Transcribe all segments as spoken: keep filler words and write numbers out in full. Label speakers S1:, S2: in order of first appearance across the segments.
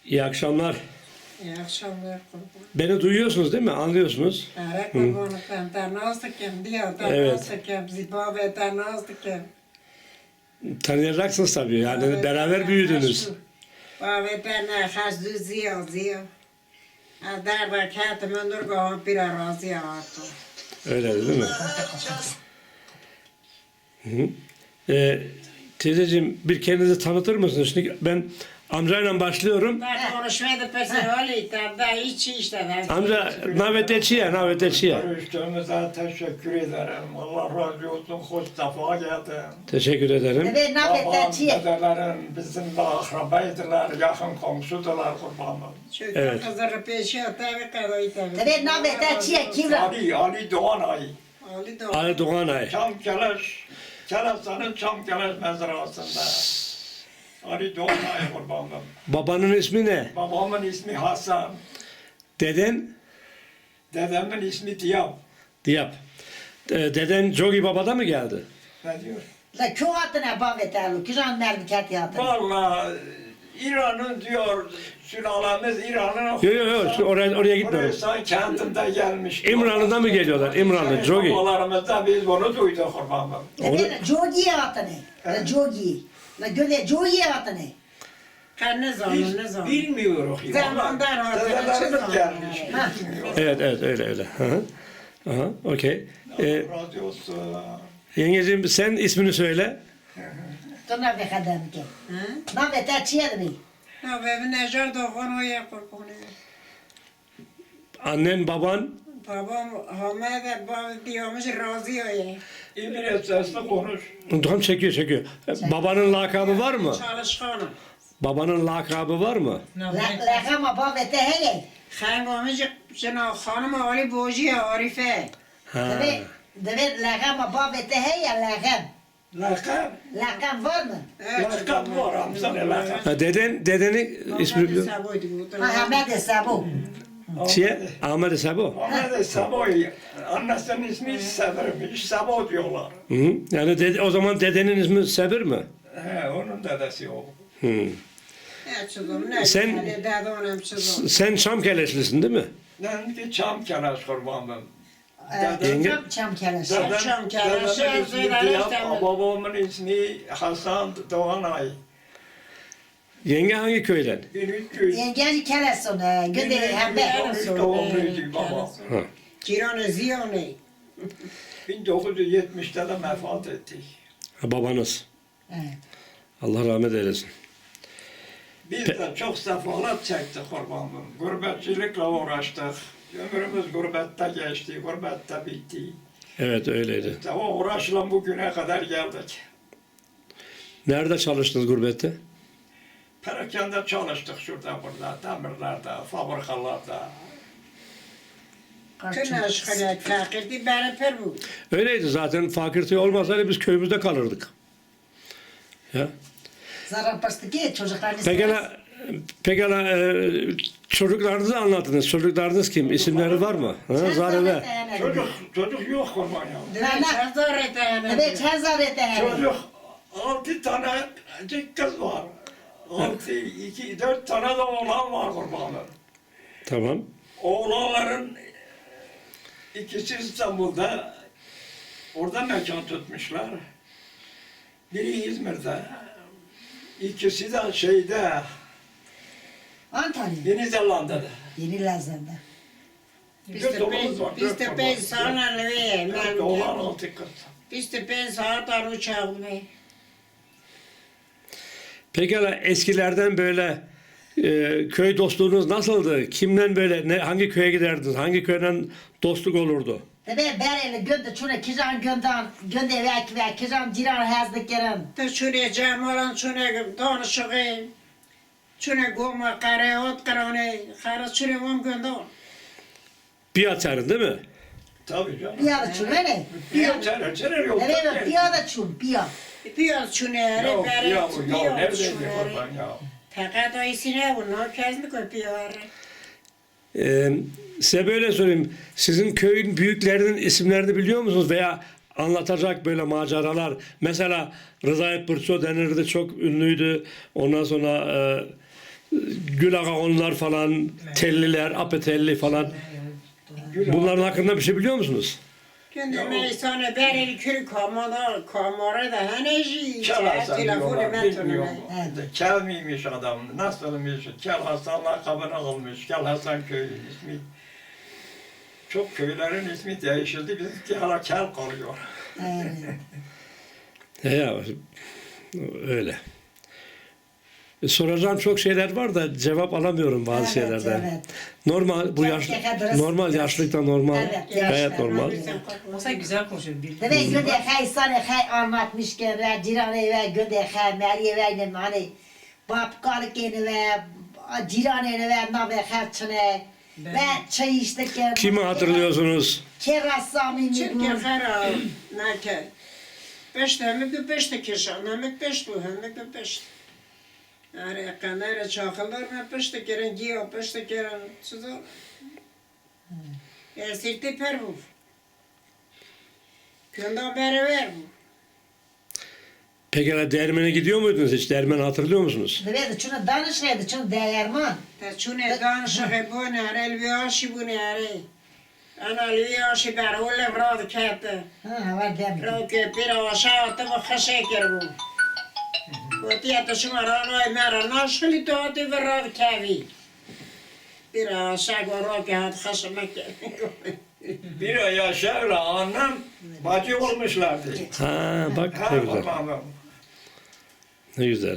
S1: İyi akşamlar.
S2: İyi akşamlar kurban.
S1: Beni duyuyorsunuz değil mi? Anlıyorsunuz.
S2: Ara kurbanı ben tanazdıkken diyor, tanazdıkken, zibabe tanazdıkken.
S1: Tanıyacaksınız tabii. Yani beraber büyüdünüz.
S2: Babe tane hazdü ziyo ziyo. Adar da kâtımın durgahı bir arazi ağırtı.
S1: Öyle değil mi? Hı hı. Ee, teyzeciğim bir kendinizi tanıtır mısınız? Şimdi ben amcayla başlıyorum.
S2: Ben konuşmaydı personeli, da hiç işte.
S1: Amca naveteciye, naveteciye.
S3: Görüştüğümüze teşekkür ederim. Allah razı olsun. Hoş defa geldin.
S1: Teşekkür ederim.
S4: Evet,
S3: Babam,
S4: nafetçiye.
S3: dedelerin bizimle akrabaydılar, yakın komşudular kurbanım.
S2: Çünkü
S1: Evet.
S2: kızları peşi tabi kadoydu.
S4: Evet, nafetçiye kim?
S3: Ali, Ali Doğanay,
S2: Ali de
S1: Ali Doğanay.
S3: Çam Keleş, Keleş'in Çam Keleş mezrasında. Ali Doğanay kurbanım.
S1: Babanın ismi ne?
S3: Babamın ismi Hasan,
S1: Deden
S3: dedemin ismi Diyap.
S1: Diyap. Ee, deden Jogi Baba'da mı geldi?
S3: Ne diyor?
S4: La kyo atına bavetelu, kiran merdikat yatına.
S3: Vallahi İran'ın diyor, sülalemiz İran'ın
S1: Yok yok yok oraya, oraya gitmiyorum.
S3: Burası kentinde gelmiş.
S1: İmralı'dan mı geliyorlar? İmralı, Jogi.
S3: Babalarımızda biz bunu duyduk kurbanım.
S4: Evet, jogi atına. La jogi. La göle jogi atına.
S2: kanı zanı
S3: Biz
S2: ne zanı.
S3: bilmiyoruz.
S2: Zamandan
S3: Vallahi
S2: ortaya
S3: Dedelerimiz
S2: çıkan.
S3: gelmiş.
S4: Ha.
S3: Bilmiyoruz.
S1: Evet evet öyle öyle. Hı hı. Aha, okey. Ee,
S3: Radyosu.
S1: yengeciğim sen ismini söyle.
S4: To nafekadem ki. Nafetçiye de mi?
S2: Ya benim necar doğan o ya kurbanı.
S1: Annen, baban,
S2: Babam Hamad baba diyormuş razı o ya.
S3: İngiliz sesli konuş.
S1: tam çekiyor çekiyor. Ee, Babanın lakabı var mı?
S2: Çalışkanım.
S1: Babanın lakabı var mı?
S4: La la kama bavete heye.
S2: Hangomuş şuna hanım Ali Boji Arife.
S1: Ha.
S4: Deve deve la kama bavete heye la kam.
S3: Lakab.
S4: La kam var mı?
S3: Lakab var amcan lakab.
S1: Ha, deden, dedenin ismini biliyor musun?
S4: Ha Ahmet Sabu.
S1: Şey, Ahmet Sabo.
S3: Ahmet Saboy. Annesinin ismi Sever'miş. Sabo diyorlar.
S1: Hı hı. Yani dede, o zaman dedenin ismi Sebir mi?
S3: He, onun dedesi o.
S1: Hı.
S2: Ne çizim ne?
S1: Sen-
S2: Sen dede onam çizim.
S1: Sen Çamkeleşlisin değil mi?
S3: Ben ki çam keleş kurbanım.
S1: Yenge-
S4: Çam çam keleş.
S3: Dedem-
S2: Çam keleş,
S3: dedemin ismi
S2: söyler
S3: Diyap,
S2: istemem.
S3: babamın ismi Hasan Doğanay.
S1: Yenge hangi köyden?
S3: bin üç yüz
S4: Yengenci keleş ona. Göle hembe.
S3: doğumluydu baba.
S1: Ha.
S2: Ciranı ziyone.
S3: bin dokuz yüz yetmişte de vefat etti.
S1: Ha, babanız.
S4: Evet.
S1: Allah rahmet eylesin.
S3: Biz de çok sefalet çektik kurbanım. Gurbetçilikle uğraştık. Ömrümüz gurbette geçti, gurbette bitti.
S1: Evet öyleydi.
S3: İşte o uğraşla bugüne kadar geldik.
S1: Nerede çalıştınız gurbette?
S3: Perakende çalıştık şurada burada, demirlerde, fabrikalarda.
S2: Tüm aşkına fakirdi beni per bu.
S1: Öyleydi zaten. Fakirliği olmasaydı biz köyümüzde kalırdık. Ya.
S4: Zarar bastı ki çocuklarınız.
S1: Pekala, pekala e, çocuklarınızı anlatınız. Çocuklarınız kim? İsimleri var mı? Ha, Zareve.
S3: Çocuk, çocuk yok kurban ya.
S2: Ben çazar etene.
S4: Evet, çazar ete.
S3: Çocuk, altı tane kız var. Altı, iki, dört tane de oğlan var kurbanım.
S1: Tamam.
S3: Oğlanların ikisi İstanbul'da, orada mekan tutmuşlar. Biri İzmir'de, ikisi de şeyde,
S4: Antalya.
S3: Yeni Zelanda'da.
S4: Yeni Lazer'de.
S2: Biz
S3: Dört
S2: de
S3: oğlumuz var,
S2: ben, biz
S3: dört
S2: de
S3: oğlan.
S2: ben sana lüye.
S3: Dört oğlan, altı kız.
S2: Biz de ben saat ar uçağım ve.
S1: Pekala eskilerden böyle e, köy dostluğunuz nasıldı? Kimden böyle ne, hangi köye giderdiniz? Hangi köyden dostluk olurdu?
S4: Deve bereli gönde çune kiran göndan gönde vek vek kiran ciran hazdı kiran.
S2: De şuraya camalan şuraya danışığı. Şuraya goma kare ot karane. Kara şuraya gom göndon.
S1: Bir açarın değil mi?
S3: Tabii canım.
S4: Piyada çune ne?
S3: Bir çare, çare yok.
S4: Evet, piyada çun, piya.
S2: Biraz şunere
S3: Ya,
S2: bere.
S3: ya, ya,
S2: Biraz
S3: neredeydi
S2: şunere.
S3: kurban ya?
S2: Fakat o isine bunu kesmi kopuyor.
S1: Ee, size böyle sorayım. Sizin köyün büyüklerinin isimlerini biliyor musunuz? Veya anlatacak böyle maceralar. Mesela Rıza Epırço denirdi. Çok ünlüydü. Ondan sonra e, Gül Ağaoğullar falan, Telliler, Apetelli falan. Bunların hakkında bir şey biliyor musunuz?
S2: Kendi meysane beril kürü kamada kamara da heneci.
S3: Kel
S2: Telefonu
S3: diyorlar,
S2: ben
S3: bilmiyorum.
S2: tanımay.
S3: Kel miymiş adam, nasılmış? Kel Hasan lakabını almış, Kel Hasan köyü ismi. Çok köylerin ismi değişildi, bizimki hala Kel kalıyor.
S4: Evet.
S1: He ya, öyle. E, soracağım çok şeyler var da cevap alamıyorum bazı
S4: Evet,
S1: şeylerden.
S4: evet.
S1: Normal bu yaş
S4: Gerçekten
S1: normal yaşlıkta normal
S4: Evet,
S1: gayet
S4: yaşlı.
S1: normal.
S5: Olsa güzel konuşuyor. Bildi.
S4: Demek günde hay sana hay anlatmışken ve ciran eve günde hay meri eve hani babkalık yeni ve ciran evi ve nabe harçne ve çay içtik.
S1: Kimi hatırlıyorsunuz?
S4: Kerasami
S2: Çünkü
S4: mi
S2: hera nake. Beşte hemek de beşte keşan, hemek beş bu, hemek de beş. Yani kanara çakıllar mı beşte keren giyo, beşte keren çizor. Esirti per bu. Köndan beri ver bu.
S1: Peki hele dermene gidiyor muydunuz hiç? Dermen hatırlıyor musunuz?
S4: bu? Evet, şunu danışmaydı, şunu değerman.
S2: Ta çune danışığı bu ne, elviyaşı bu ne are. Ana elviyaşı ber, olle vrad kette.
S4: Ha, var demek.
S2: Roke pira aşağı tabi xaşeker bu. Kotiya ta şuma ranoy mera naşkili to ati vrad kavi. Pira aşağı roke hat xaşemek.
S3: Bir ay aşağıda annem bacı olmuşlardı.
S1: Ha bak
S3: Ha,
S1: ne güzel.
S3: babam.
S1: Ne güzel.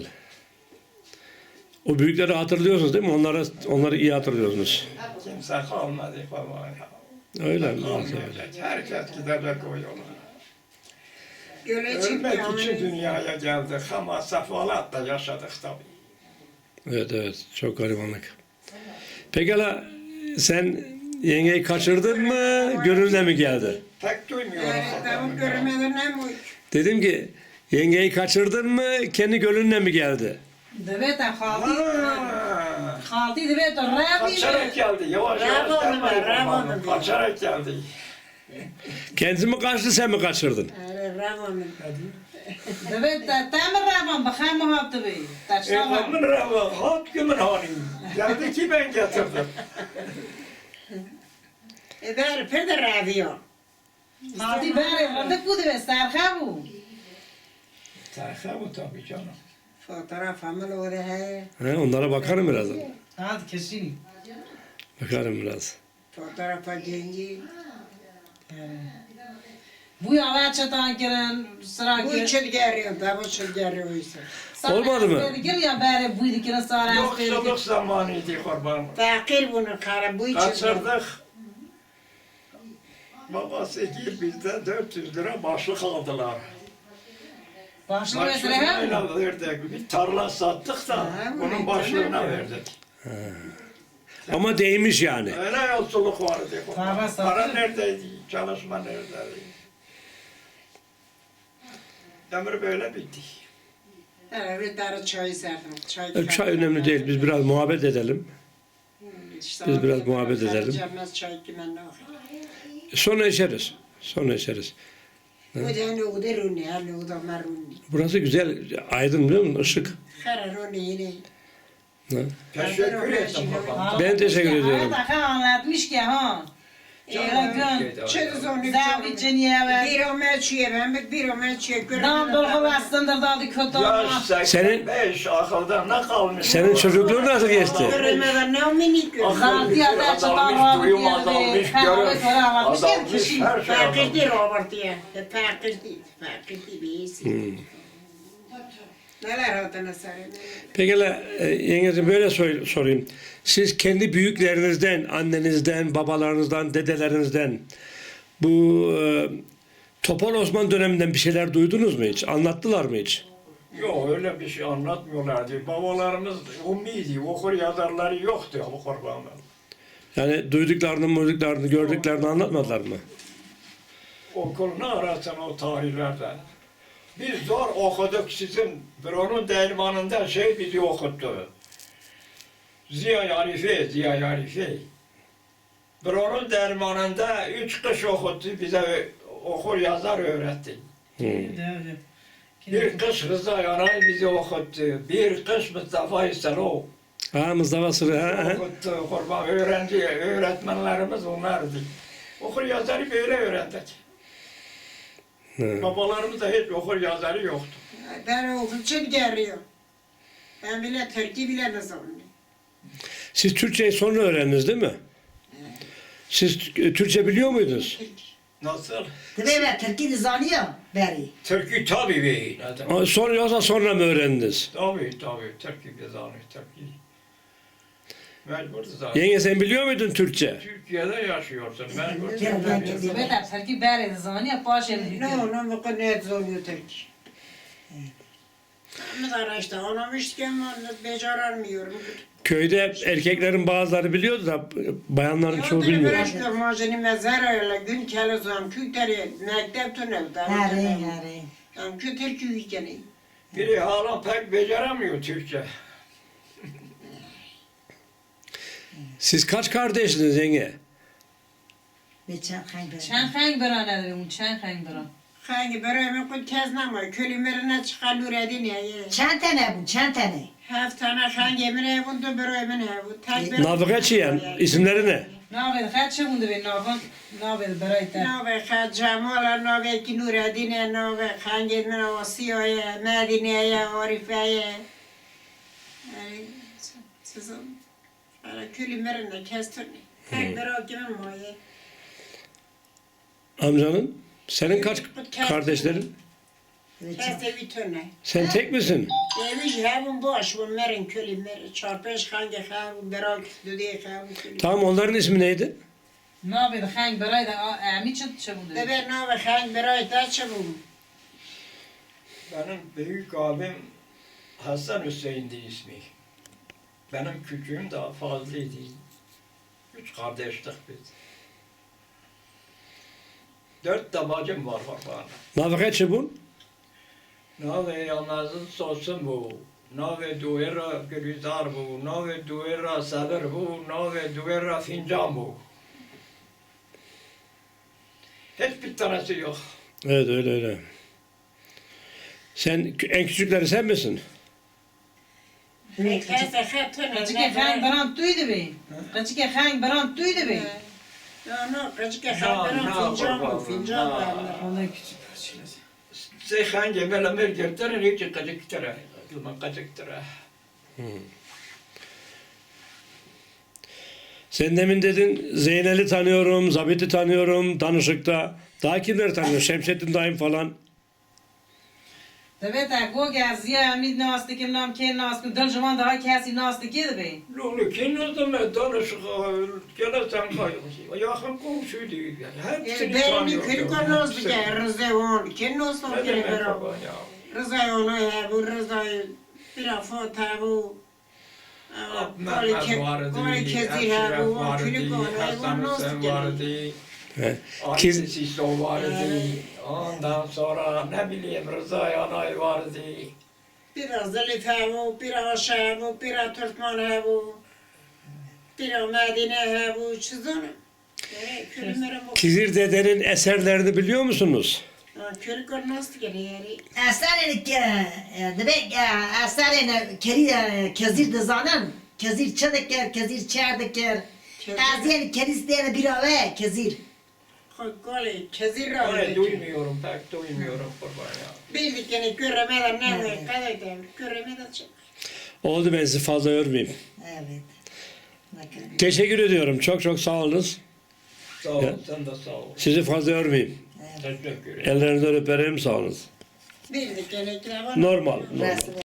S1: O büyükleri hatırlıyorsunuz değil mi? Onları onları iyi hatırlıyorsunuz.
S3: Kimse kalmadı falan.
S1: Öyle mi?
S3: Kalmayacak. Herkes gidecek o yola.
S2: Göle çıktı
S3: Ölmek için
S2: yani.
S3: dünyaya geldik ama sefalatla yaşadık tabii.
S1: Evet evet çok garibanlık. Peki hele sen yengeyi kaçırdın mı? Gönlüne mi geldi?
S3: Pek duymuyorum.
S2: Yani tamam görmeden ne mu?
S1: Dedim ki yengeyi kaçırdın mı? Kendi gönlüne mi geldi?
S5: Evet, haldi.
S3: Ha,
S5: Haldi evet, rabi.
S3: Kaçarak geldi. Yavaş yavaş
S2: Bravo,
S3: gelmedi
S2: bravo,
S3: babam.
S2: bravo.
S3: Kaçarak geldi.
S1: Kendisi mi kaçtı sen mi kaçırdın?
S2: Yani Ramon.
S5: Evet, tamam raban, bakayım muhabbeti bey. Taşlama.
S3: Evlamın rava, hat gümün hanim. Geldi ki ben getirdim.
S2: E der peder radyo.
S5: Haldi bari, randık bu deve, sarha bu.
S3: Terse bu tabii canım.
S2: Fotoğraf amel o da he.
S1: He, onlara bakarım birazdan.
S5: Hadi kesin.
S1: Bakarım biraz.
S2: Fotoğrafa genci.
S5: Bu yava çatan giren sıra
S2: Bu
S5: giren.
S2: için geliyor da bu için geliyor ise.
S1: Olmadı mı?
S5: Gel ya bari buydu giren sonra.
S3: Yoksulluk zamanıydı kurban.
S2: Fakir bunu kara bu için.
S3: Kaçırdık. Babası gir bizden dört yüz lira başlık aldılar.
S5: Başlı mesele ha.
S3: Başlığına verdik. Bir tarla sattık da
S2: Ha,
S3: onun
S2: bu
S3: başlığına
S2: ne?
S3: verdik.
S1: Ama değmiş yani.
S3: Öyle yolculuk vardı.
S5: Tarla sattık.
S3: Para neredeydi? Çalışma neredeydi? Ömür böyle bitti.
S2: Evet bir tane çay serdim. Çay,
S1: E, Çay önemli değil. Biz biraz muhabbet edelim. Biz biraz muhabbet edelim.
S2: Cemez çay kimen ne var?
S1: Sonra içeriz. Sonra içeriz.
S2: Bu da ne o da runi, ne o da maruni.
S1: Burası güzel. Aydın biliyor musun? Işık.
S2: Kara runi yine.
S1: Ha.
S3: Teşekkür ederim babam.
S1: Ben teşekkür ediyorum.
S5: Ha da anlatmış ki ha. Öyle gün.
S2: Çöz onu.
S5: Zavi ciniye ve.
S2: Bir o melçiye ben bir o melçiye
S5: Dam dolgu bastındır dadı kötü olma.
S3: Yaş seksen beş akılda ne kalmış?
S1: Senin çocukluğun nasıl geçti?
S2: Görmeden ne o minik gör.
S5: Haldi ya da çatan
S3: Azalmış, duyum
S5: rabi
S3: azalmış,
S5: geldi. Kahve sonra anlatmış ki
S3: azalmış,
S5: kişi.
S3: her şey
S2: Fakir
S3: azalmış.
S2: değil Robert ya. Fakir değil. Fakir değil birisi. Neler hatına sarıyor.
S1: Peki hele e, yengeciğim böyle sor- sorayım. Siz kendi büyüklerinizden, annenizden, babalarınızdan, dedelerinizden bu e, Topal Osman döneminden bir şeyler duydunuz mu hiç? Anlattılar mı hiç?
S3: Yok öyle bir şey anlatmıyorlardı. Babalarımız ummiydi, okur yazarları yoktu bu kurbanlar.
S1: Yani duyduklarını, muyduklarını, gördüklerini anlatmadılar mı?
S3: Okul ne arasın o tarihlerde. Biz zor okuduk sizin büronun dermanında şey bizi okuttu. Ziya Arife, Ziya Arife. Büronun dermanında üç kış okuttu, bize okur yazar öğretti. Bir kış Rıza Yanay bizi okuttu, bir kış Mustafa İselo.
S1: Ha Mustafa Sırrı. Ha, ha.
S3: Okuttu, kurban öğrenci, öğretmenlerimiz onlardı. Okur yazarı böyle öğrendik.
S1: Hı.
S3: Babalarımız da hiç okur yazarı yoktu.
S2: Ben okutçum geliyor. Ben bile Türkçe bile ne zaman.
S1: Siz Türkçeyi sonra öğrendiniz değil mi? Siz e, Türkçe biliyor muydunuz?
S3: Nasıl?
S4: Tabii ben Türkiye'de zanıyor beri.
S3: Türkü tabii bey.
S1: O- Sonra yoksa sonra mı öğrendiniz?
S3: Tabii tabii, Türkü biz anlıyor, Türkü. Mecbur zaten.
S1: Yenge sen biliyor muydun Türkçe?
S3: Türkiye'de yaşıyorsun, mecbur.
S4: Gel, gel, gel.
S5: Dövbe der terki beri zani paşa
S2: Ne
S5: bir.
S2: onu bu kadar ne zorluyor Türkçe. Ama işte anlamışken onu beceremiyorum.
S1: Köyde erkeklerin bazıları biliyordu da bayanların çoğu bilmiyor.
S2: Yolda majini mezar öyle gün kelizam küteri mektep tünevde.
S4: Hare hare.
S2: Yani kütür küyükeni.
S3: Biri hala pek beceremiyor Türkçe.
S1: Siz kaç kardeşsiniz yenge?
S4: Beçen hayber.
S5: Çen hang berane de un çen hang beran.
S2: Hangi börüme kut keznama kölümerine çıkalur edin ya.
S4: Çen tane bu, çen tane.
S2: Haftana hangi emine bundu börüme ne bu. Tek bir-
S1: Navgaçiyen isimleri ne?
S5: Navet kaç şey bundu be navan. Navet beray ter.
S2: Nave Hacamala, Nave Kinuradine, Nave Hangin, Nave Siyo'ya, Medine'ye, Arife'ye. Yani sizin böyle kölümerine kestirni. Tek bir o kimin moye.
S1: Amcanın? Senin kaç kardeşlerin?
S2: Keste bir tane.
S1: Sen tek misin?
S2: Demiş havun boş bu merin kölümer. Çarpış hangi havun berak düdüğü havun kölümer.
S1: Tamam onların ismi neydi?
S5: Navet hang beray da ami çıt şey bundu.
S2: Bebe Nave Hang beray da çabuk.
S3: Benim büyük abim Hasan Hüseyin'di ismi. Benim küçüğüm daha fazlaydı. Üç kardeştik biz. Dört de bacım var var bana.
S1: Navgaçı bu?
S3: Nave yalnızın sosun bu. Nave duera gülizar bu. Nave duera sabır bu. Nave duera fincan bu. Hiçbir tanesi yok.
S1: Evet öyle öyle. Sen en küçükleri sen misin?
S2: Keste hatun.
S5: Kaçıke hang beran tuydu be. Kaçıke hang beran tuydu be.
S2: No, no, kaçık hang fincan bu. Fincan var.
S5: Vallahi küçük parçalar.
S3: Sen hangi melemir girtirin hiç kaçık tere. Yılman kaçık tere.
S1: Sen demin dedin Zeynel'i tanıyorum, Zabit'i tanıyorum, danışıkta. Daha kimleri tanıyor? Şemsettin dayım falan.
S5: Dövbe der go gaziye ami nastı kim nam ken nastı dal zaman daha kesi nastı ki de be.
S3: Lulu kinozda mı danışık gene sen kayıyorsun. Yakın komşuydu. Hepsini
S2: Benim
S3: tanıyordum.
S2: köyü konozdu ki Rıza on. Kim olsun
S3: Ne
S2: ki
S3: demek
S2: beraber.
S3: baba ya?
S2: Rıza onu ya bu Rıza bir afata bu.
S3: Mehmet vardı,
S2: Koli kezi ha
S3: Eşref
S2: bu.
S3: vardı,
S2: Köyü konu.
S3: Hasan
S2: Bu nasıl
S3: Hüseyin
S2: geliyor?
S3: vardı,
S1: He.
S3: Ali
S1: Kiz-
S3: Siso vardı. Ondan sonra ne bileyim Rıza Yanay vardı.
S2: Biraz Zelife bu, biraz aşağı bu, biraz Türkmen bu. Biraz Medine bu. Çizonu. Köyümlerin bu.
S1: Kizir dedenin eserlerini biliyor musunuz?
S2: Köyü konu nasıl geliyor?
S4: Eserleri demek eserleri keri kezir de zanen. Kezir çadıker, kezir çardıker. Eserleri kerisleri bir ave kezir.
S2: Koli kezir
S3: Öyle
S2: rahmet.
S3: duymuyorum pek duymuyorum kurban ya.
S2: Bildik yani göremeden ne var? Kadar da göremeden çık.
S1: Oldu ben sizi fazla yormayayım.
S4: Evet. Bakın.
S1: Teşekkür ediyorum. Çok çok sağ olunuz.
S3: Sağ ol,
S1: Ya.
S3: sen de sağ ol.
S1: Sizi fazla yormayayım.
S3: Teşekkür ederim.
S1: Ellerinizden öperim. Sağ olunuz.
S2: Bildik yani.
S1: Normal. normal.
S4: Burası